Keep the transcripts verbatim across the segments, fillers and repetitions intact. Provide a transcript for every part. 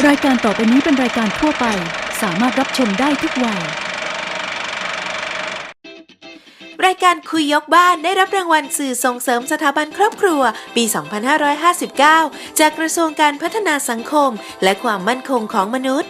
รายการต่อไปนี้เป็นรายการทั่วไปสามารถรับชมได้ทุกวัยรายการคุยยกบ้านได้รับรางวัลสื่อส่งเสริมสถาบันครอบครัวปี สองพันห้าร้อยห้าสิบเก้า จากกระทรวงการพัฒนาสังคมและความมั่นคงของมนุษย์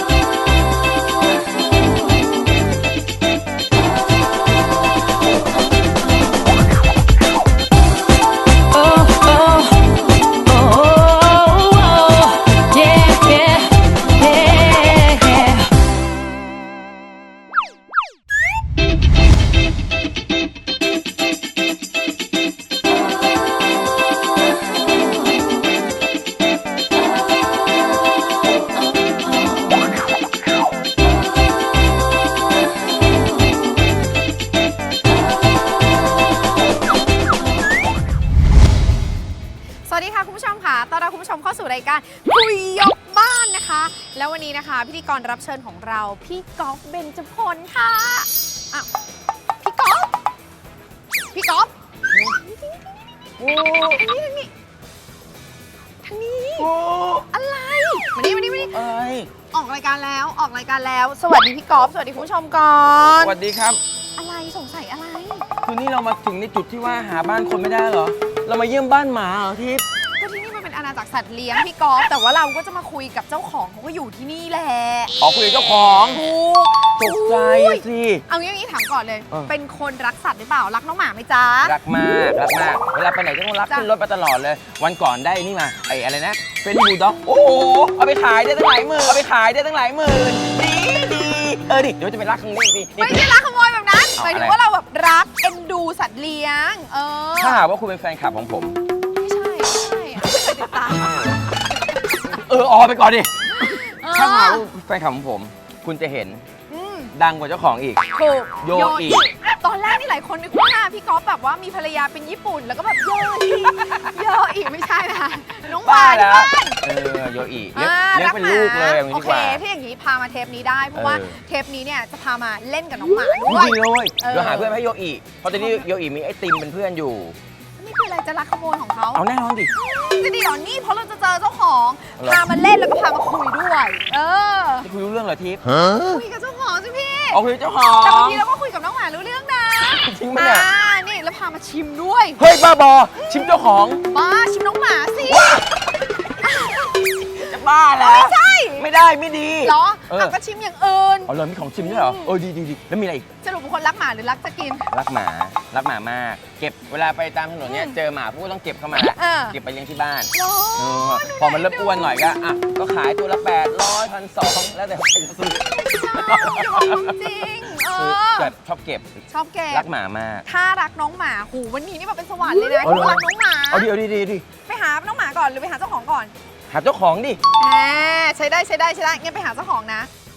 สวัสดีค่ะคุณผู้ชมค่ะต้อนรับคุณผู้ชมเข้าสู่รายการคุยยกบ้านนะคะแล้ววันนี้นะคะพิธีกรรับเชิญของเราพี่ก๊อฟเบญจพลค่ะอ้าวพี่ก๊อฟพี่ก๊อฟโอ้ทางนี้ทางนี้ทางนี้อะไรมานี่มานี่มานี่อะไรออกรายการแล้วออกรายการแล้วสวัสดีพี่ก๊อฟสวัสดีคุณผู้ชมก่อนสวัสดีครับอะไรสงสัยอะไรคือนี่เรามาถึงในจุดที่ว่าหาบ้านคนไม่ได้เหรอ เรามาเยี่ยมบ้านหมาเหรอทิพย์ก็ที่นี่มันเป็นอาณาจักรสัตว์เลี้ยงพี่ก๊อฟแต่ว่าเราก็จะมาคุยกับเจ้าของเขาก็อยู่ที่นี่แหละออกคุยกับเจ้าของถูกตกใจอะสิเอางี้งี้ถามก่อนเลยเออเป็นคนรักสัตว์หรือเปล่ารักน้องหมาไหมจ๊ะรักมากรักมากเวลาไปไหนก็ต้องรักจ้ะขึ้นรถไปตลอดเลย วันก่อนได้นี่มาไอ้อะไรนะเฟรนด์บูลด็อกโอ้โหเอาไปขายได้ตั้งหลายหมื่นเอาไปขายได้ตั้งหลายหมื่นดีดีเออดิเดี๋ยวจะไปรักตรงนี้ดิไม่ใช่รักขโมยแบบนั้นเอาหมายถึงอะไรว่าเราแบบรักเอ็นดูสัตว์เลี้ยง เออถ้าหากว่าคุณเป็นแฟนคลับของผมไม่ใช่ไม่ใช่อะไม่เคยติดตามเออออกไปก่อนดิเออถ้าหากว่าแฟนคลับของผม คุณจะเห็นอืมดังกว่าเจ้าของอีกถูกโยอิตอนแรกนี่หลายคนนึกว่าพี่ก๊อฟแบบว่ามีภรรยาเป็นญี่ปุ่นแล้วก็แบบโยอิโยอิไม่ใช่นะน้องหมาบ้าที่แล้วบ้านเออโยอิเลี้ยงอ่าเลี้ยงเป็นลูกเลยอย่างนี้โอดีเคกว่าถ้าอย่างนี้พามาเทปนี้ได้เพราะว่าเออเทปนี้เนี่ยจะพามาเล่นกับน้องหมาด้ดีวยเลยเออเดี๋ยวหาเพื่อนให้โยอิเพราะตอนนี้โยอิมีไอติมเป็นเพื่อนอยู่นี่คืออะไรจะรักขโมยของเขาเอาแน่นอนดิจะดีเหรอนี่เพราะเราจะเจอเจ้าของเหรอพามาเล่นแล้วก็พามาคุยด้วย เออจะคุยรู้เรื่องเหรอทิพย์คุยกับเจ้าของสิพี่เอาคุยเจ้าขอแต่บางงทีเราก็คุยกับน้องหมารู้เรื่องนะจริงปะเนี่ยอ่านี่แล้วพามาชิมด้วยเฮ้ยบ้าบอชิมเจ้าของมาชิมน้องหมาสิจะบ้าแล้วไม่ใช่ไม่ได้ไม่ดีเหรอเอออ่ะก็ชิมอย่างอื่นเอาเลยมีของชิมด้วยเหรอเออดีดีดีแล้วมีอะไรอีกสรุปเป็นคนรักหมาหรือรักจะกินรักหมารักหมามาก เก็บเวลาไปตามถนนเนี่ยอืมเจอหมาพวกก็ต้องเก็บเข้ามาเออเก็บไปเลี้ยงที่บ้านเหรอเออพอมันเริ่มอ้วนหน่อยก็อ่ะก็ขายตัวละแปดร้อยพันสองแล้วแต่ใครจะซื้อใช่จริงเอคืออแบบชอบเก็บชอบแกรักหมามากถ้ารักน้องหมาหูวันนี้นี่แบบเป็นสวรรค์เลยนะเอาเหรอรักน้องหมาเอาดิเอาดิดีดีไปหาน้องหมาก่อนหรือไปหาเจ้าของก่อนหาเจ้าของดิอ่าใช้ได้ใช้ได้ใช้ได้งั้นไปหาเจ้าของนะ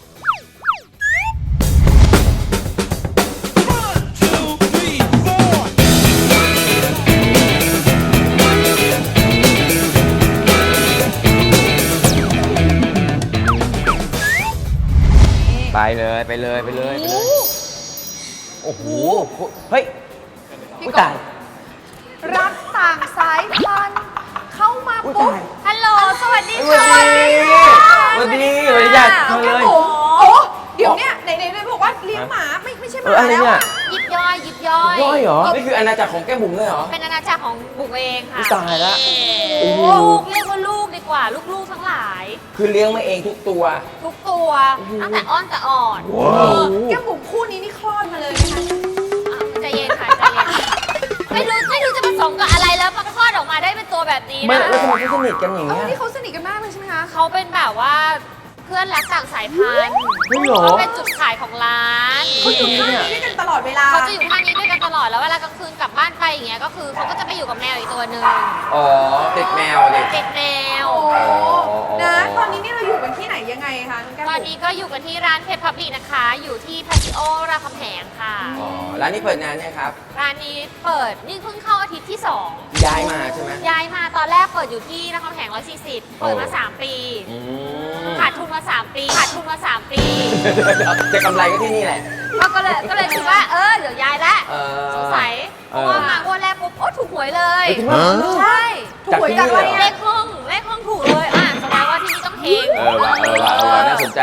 ไปเลยไปเลยไปเลยไปเลย โอ้โห เฮ้ยพี่อุ๊ยกบตายรักต่างสายพันธุ์เข้ามาอุ๊ยปุ๊บตายฮัลโหลสวัสดีสวัสค่ะดีสวัสดีสวัสดีจ้ะมาเลยโอ้โหเดี๋ยวเนี่ยไหนไหนไหนบอกว่าเลี้ยงหมาไม่ไม่ใช่หเอมาออะไรแล้วเนี่ยอะยิบย่อยยิบย่อยย่อยเหรอ นี่คืออาณาจักรของแก้มบุ๋มเลยเหรอเป็นอาณาจักรของบุ๋มเองค่ะอุ๊ยตายละโอ้โอ้โหลูกเรียกว่าลูกดีกว่า ลูกๆทั้งหลายคือเลี้ยงมาเองทุกตัวทุกตัวตั้งแต่อ้อนแต่อ่อนว้าวแก้มบุ๋มคู่นี้นี่คลอดมาเลยนะคะอ่ะใจเย็นค่ะใจเย็นไม่รู้ไม่รู้จะผสมกับอะไรแล้วมาคลอดออกมาได้เป็นตัวแบบนี้ไม่นะแล้วทำไมเขาสนิทกันอย่างเอเงี้อย นี่เขาสนิทกันมากเลยใช่ไหมคะเขาเป็นแบบว่าเพื่อนรักต่างสายพันธุ์เฮ้ยเหรอเขาเป็นจุดขายของร้านเขาอยู่ท่านี้ด้วยกันตลอดเวลาเขาจะอยู่ท่านี้ด้วยกันตลอดแล้วเวลากลางคืนกลับบ้านไปอย่างเงี้ยก็คือเขาก็จะไปอยู่กับแมวอีกตัวหนึ่งอ๋อติดแมวเลยติดแมวโอ้อ๋อนะ ตอนนี้นี่เราอยู่กันที่ไหนยังไงคะน้องแก้มตอนบุ๋มนี้ก็อยู่กันที่ร้านเพชรพับลีนะคะ อยู่ที่พาซิโอรามคำแหงค่ะอ๋อ ร้านนี้เปิดนานเนี่ยครับร้านนี้เปิดนี่เพิ่งเข้าอาทิตย์ที่สองย้ายมาใช่ไหมย้ายมาตอนแรกเปิดอยู่ที่นครแหงร้อยสี่สิบเปิดมาสามปีอืมขาดทุนมาสามปีขาดทุนมาสามปีจะกำไรก็ที่นี่แหละก็ก็เลยก็เลยคิดว่าเออเดี๋ยวย้ายละเออสงสัยเพเออราะว่ามางวดแรกปุ๊บโอ้ถูกหวยเลยเฮ้ยจริงปะใช่ถูกหวยจากอะไรจากที่นี่เลเหรอขห้องเลขห้องถูกเลยอ่ะแสดงว่าที่นี่ต้องเฮงเออว่ะ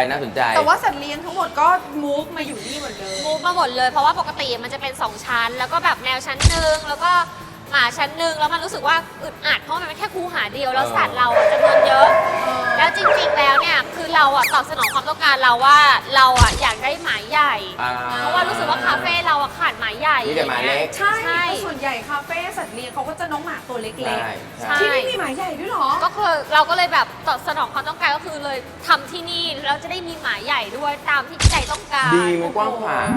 น่าสนใจแต่ว่าสัตว์เลี้ยงทั้งหมดก็ move มาอยู่นี่หมดเลยมูฟมาหมดเลยเพราะว่าปกติมันจะเป็นสองชั้น แล้วก็แบบแมวชั้นหนึ่งแล้วก็หมาชั้นหนึ่งแล้วมันรู้สึกว่าอึดอัดเพราะมันเป็นแค่คูหาเดียวแล้วสัตว์เราอะจำนวนเยอะ แล้วจริงๆแล้วเนี่ยคือเราอะตอบสนองความต้องการเราว่าเราอะอยากได้หมาใหญ่อ่าเพราะว่ารู้สึกว่าคาเฟ่เราอะขาดหมาใหญ่มีแต่หมาเล็กใช่ใช่เพราะส่วนใหญ่คาเฟ่สัตว์เลี้ยงเขาก็จะน้องหมาตัวเล็กใช่ใช่ๆ ที่นี่มีหมาใหญ่ด้วยเหรอก็คือเราก็เลยแบบตอบสนองความต้องการก็คือเลยทำที่นี่แล้วจะได้มีหมาใหญ่ด้วยตามที่ใจต้องการดีมันกว้างขวาง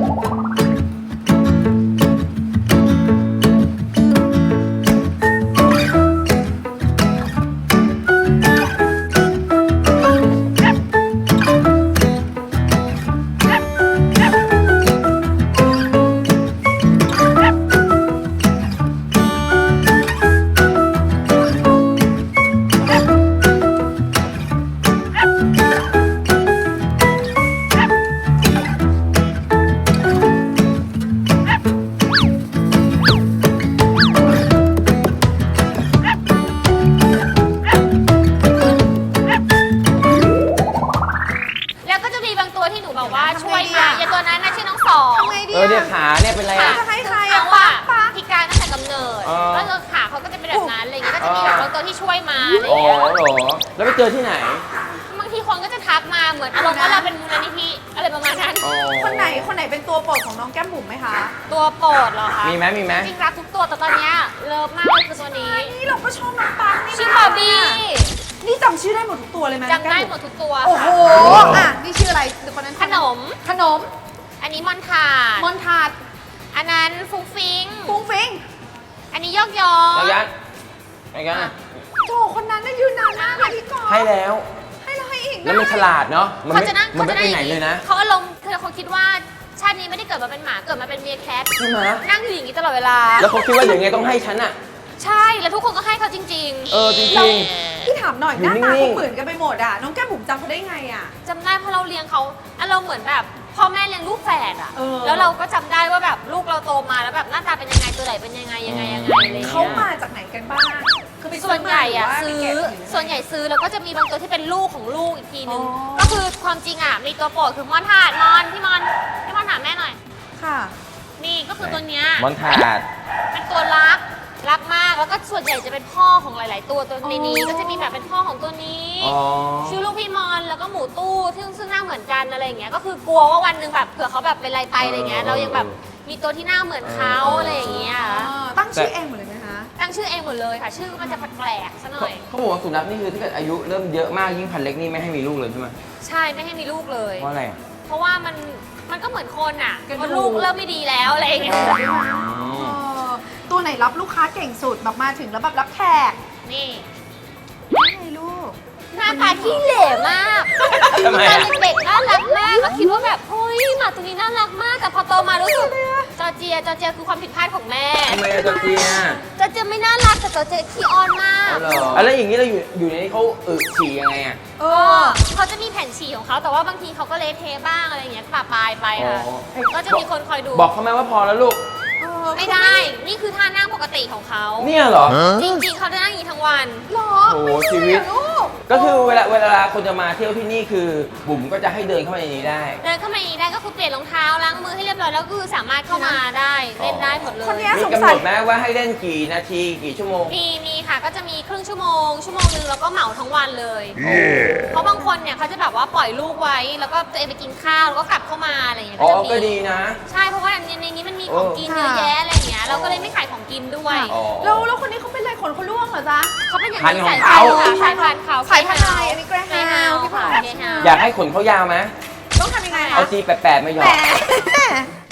แล้วก็จะมีบางตัวที่หนูแบบว่าช่วยมาอย่างตัวนั้นนะชื่อน้องสองทำไงดีเออเนี่ยอะขาเนี่ยเป็นไรขาอ่ะจะให้ใครเขาอะอะป๊าพิการตั้งแต่กำเนิดอ๋อแล้วก็ขาเขาก็จะเป็นแบบนั้นอะไรอย่างเงี้ยก็จะมีแบบบางตัวที่ช่วยมาอะไรออ๋อย่างเงี้ยเหรอ แล้วไปเจอที่ไหนบางทีคนก็จะทักมาเหมือนอารมณ์ว่าเราเป็นมูลนิธิอะไรประมาณนั้นอ๋อคนไหนคนไหนเป็นตัวโปรดของน้องแก้มบุ๋มไหมคะตัวโปรดเหรอคะมีไหมมีไหมจริงๆรักทุกตัวแต่ตอนเนี้ยเลิฟมากเลยคือตัวนี้นี่เราก็ชอบน้องปังนี่นะชื่อบาร์บี้นี่จำชื่อได้หมดทุกตัวเลยไหมจำได้หมดทุกตัวโอ้โหค่ะอ่ะนี่ชื่ออะไรเดี๋ยวคนนั้นขนมขนมอันนี้มอนทาดมอนทาดอันนั้นฟุ้งฟิงฟุ้งฟิงอันนี้ยอกยอแล้วยันแล้วยันอะโจคนนั้นน่ะยืนนานมากเลยพี่กอล์ฟให้แล้วให้เราให้อีกแล้วมันฉลาดเนาะ มันเขาไม่จะนั่งมันเขาไม่จะไปนั่งไหนเลยนะเขาอารมณ์คือเขาคิดว่าชาตินี้ไม่ได้เกิดมาเป็นหมาเกิดมาเป็นเมียแคทใช่ไหมนั่งอยู่อย่างนี้ตลอดเวลาแล้วเขาคิดว่าเดี๋ยวไงต้องให้ฉันอะใช่แล้วทุกคนก็ให้เขาจริงเออจริเรางพี่ถามหน่อยอยู่หน้าตานิ่เขางๆเหมือนกันไปหมดอ่ะน้องแก้มบุ๋มจำเขาได้ไงอ่ะๆจำได้เพราะเราเลี้ยงเขาอารมณ์เหมือนแบบพ่อแม่เลี้ยงลูกแฝดอะเออแล้วเราก็จำได้ว่าแบบลูกเราโตมาแล้วแบบหน้าตาเป็นยังไงตัวไหนเป็นยังไงยังไงยังไงอะไรอย่างเงี้ยเขามาจากไหนกันบ้างคือไปส่วนใหญ่อะซื้ซื้ออมาหรืว่าไปแกะส่วนใหญ่ซื้อแล้วก็จะมีบางตัวที่เป็นลูกของลูกอีกทีนึงอ๋อก็คือความจริงอะมีตัวโปรดคือมอนทาดมอนพี่มอนพี่มอนถามแม่หน่อยค่ะนี่ก็คือตัวเนี้ยมอนทาดเป็นตัวรักรักมากแล้วก็ส่วนใหญ่จะเป็นพ่อของหลาย ๆ ตัวตัวในนี้อ๋อก็จะมีแบบเป็นพ่อของตัวนี้อ๋อชื่อลูกพี่มอนแล้วก็หมูตู้ซึ่งซึ่งหน้าเหมือนกันอะไรอย่างเงี้ยก็คือกลัวว่าวันหนึ่งแบบเผื่อเขาแบบเป็นอะไรไปอะไรเงี้ยเรายังแบบมีตัวที่หน้าเหมือนเขาอะไรอย่างเงี้ยอ่าตั้งชื่อเองหมดเลยไหมคะตั้งชื่อเองหมดเลยค่ะ ชื่อมันจะแปลกๆซะหน่อยเขาบอกว่าสุนัขนี่คือถ้าเกิดอายุเริ่มเยอะมากยิ่งพันเล็กนี่ไม่ให้มีลูกเลยใช่ไหมใช่ไม่ให้มีลูกเลยเพราะอะไรอะเพราะว่ามันมันก็เหมือนคนอ่ะกระดูกพอลูกเริ่มไม่ดีแล้วอะไรอย่างเงี้ยเออตัวไหนรับลูกค้าเก่งสุดแบบมาถึงแล้วแบบรับแขกนี่นี่ไงลูกหน้าตาขี้เหร่มากทำไมตอนอะเด็กๆน่ารักมากแล้วคิดว่าแบบเฮ้ยหมาตัวนี้น่ารักมากแต่พอโตมารู้สึกจอร์เจียจอร์เจียคือความผิดพลาดของแม่ทำไมอะจอร์เจียจอร์เจียไม่น่ารักแต่จอร์เจียขี้อ้อนมากเอาเหรออะแล้วอย่างนี้เราอยู่อยู่ในนี้เขาอึฉี่ยังไงอะเอก็อเขาจะมีแผ่นฉี่ของเขาแต่ว่าบางทีเขาก็เละเทะบ้างอะไรอย่างเงี้ยปะปายไปค่ะอ๋อก็จะมีคนคอยดูบอกเขาไหมว่าพอแล้วลูกเออไม่ได้ นี่คือท่านั่งปกติของเขาเนี่ยเหรอจริงๆเขาจะนั่งอย่างนี้ทั้งวันหรอโอ้โหไม่ชีใช่วิตอะลูกก็คือเวลาเวลาคนจะมาเที่ยวที่นี่คือบุ๋มก็จะให้เดินเข้ามาในนี้ได้เดินเข้ามาอย่างนี้ได้ก็คือเปลี่ยนรองเท้าล้างมือให้เรียบร้อยแล้วก็คือสามารถเข้ามาได้เล่นได้หมดเลยคนเนี้ยมีกำหนดไหมว่าให้เล่นกี่นาทีกี่ชั่วโมงมีมีค่ะก็จะมีครึ่งชั่วโมง ชั่วโมงนึงแล้วก็เหมาทั้งวันเลย เพราะบางคนเนี่ยเขาจะแบบว่าปล่อยลูกไว้ แล้วก็ตัวเองไปกินข้าวแล้วก็กลับเข้ามาอะไรอย่างเงี้ยอ๋อจะมีก็ดีนะใช่เพราะว่าในในนี้มันมีของกินเออเยอะแยะอะไรอย่างเงี้ยเราก็เลยไม่ขายของกินด้วยอ๋อแล้วแล้วคนนี้เขาเป็นอะไรขนเขาล่วงเหรอจ๊ะเขาเป็นอย่างพันธุ์นี้ของสายเขาพันธุ์ค่ะสายพันธุ์เขาสายพันธุ์อะไรอันนี้ Greyhound เกรฮาวพี่ค่ะผ่านเกรฮาวอยากให้ขนเขายาวไหมต้องทำยังไงเอาคะจีแปดๆมาหยอแหมก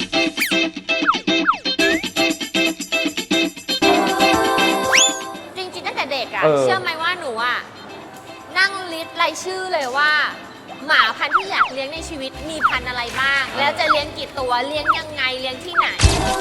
จริงๆตั้งแต่เด็กอะเออเชื่อไหมว่าหนูอะนั่งลิสต์รายชื่อเลยว่า หมาพันธุ์ที่อยากเลี้ยงในชีวิตมีพันธุ์อะไรบ้าง แล้วจะเลี้ยงกี่ตัวเลี้ยงยังไงเลี้ยงที่ไหน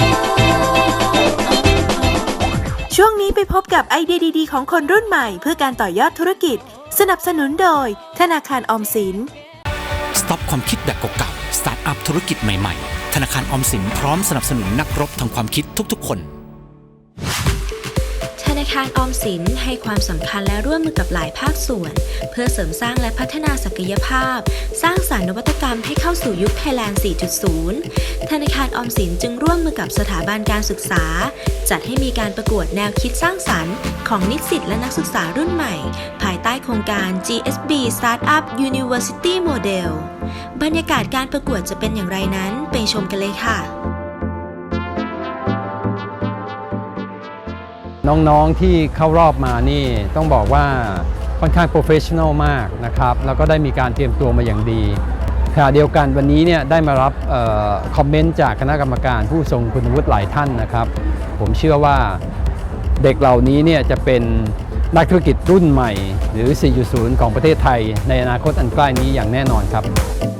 ช่วงนี้ไปพบกับไอเดียดีๆของคนรุ่นใหม่เพื่อการต่อยอดธุรกิจ สนับสนุนโดยธนาคารออมสินสต็อปความคิดแบบเก่าๆ สตาร์ทอัพธุรกิจใหม่ๆ ธนาคารออมสินพร้อมสนับสนุนนักรบทางความคิดทุกๆคนธนาคารออมสินให้ความสำคัญและร่วมมือกับหลายภาคส่วน เพื่อเสริมสร้างและพัฒนาศักยภาพ สร้างสรรค์นวัตกรรมให้เข้าสู่ยุค Thailand สี่จุดศูนย์ ธนาคารออมสินจึงร่วมมือกับสถาบันการศึกษา จัดให้มีการประกวดแนวคิดสร้างสรรค์ของนิสิตและนักศึกษารุ่นใหม่ ภายใต้โครงการ จี เอส บี Startup University Model บรรยากาศการประกวดจะเป็นอย่างไรนั้นไปชมกันเลยค่ะน้องๆที่เข้ารอบมานี่ต้องบอกว่าค่อนข้างโปรเฟชชั่นอลมากนะครับแล้วก็ได้มีการเตรียมตัวมาอย่างดีขณะเดียวกันวันนี้เนี่ยได้มารับเอ่อคอมเมนต์จากคณะกรรมการผู้ทรงคุณวุฒิหลายท่านนะครับผมเชื่อว่าเด็กเหล่านี้เนี่ยจะเป็นนักธุรกิจรุ่นใหม่หรือ สี่จุดศูนย์ ของประเทศไทยในอนาคตอันใกล้นี้อย่างแน่นอนครับ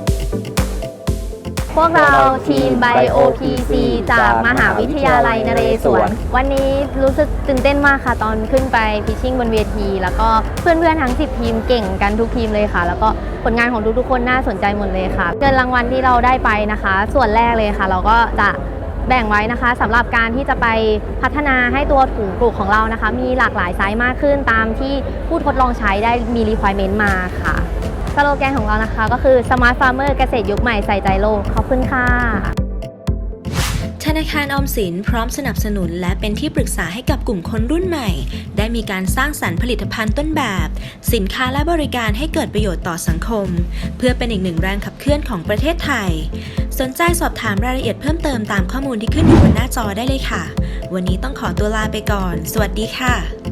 พวกเราทีม ไบโอ พี ซี จากมหาวิทยาลัยนเรศวร วันนี้รู้สึกตื่นเต้นมากค่ะตอนขึ้นไปพิชชิ่งบนเวที แล้วก็เพื่อนๆทั้งสิบทีมเก่งกันทุกทีมเลยค่ะ แล้วก็ผลงานของทุกๆคนน่าสนใจหมดเลยค่ะเงินรางวัลที่เราได้ไปนะคะ ส่วนแรกเลยค่ะ เราก็จะแบ่งไว้นะคะสำหรับการที่จะไปพัฒนาให้ตัวถุงปลูกของเรานะคะ มีหลากหลายไซส์มากขึ้นตามที่ผู้ทดลองใช้ได้มี requirement มาค่ะสโลแกนของเรานะคะก็คือ Smart Farmer เกษตรยุคใหม่ใส่ใจโลกขอบคุณค่ะธนาคารออมสินพร้อมสนับสนุนและเป็นที่ปรึกษาให้กับกลุ่มคนรุ่นใหม่ได้มีการสร้างสรรค์ผลิตภัณฑ์ต้นแบบสินค้าและบริการให้เกิดประโยชน์ต่อสังคมเพื่อเป็นอีกหนึ่งแรงขับเคลื่อนของประเทศไทยสนใจสอบถามรายละเอียดเพิ่มเติมตามข้อมูลที่ขึ้นอยู่บนหน้าจอได้เลยค่ะวันนี้ต้องขอตัวลาไปก่อนสวัสดีค่ะ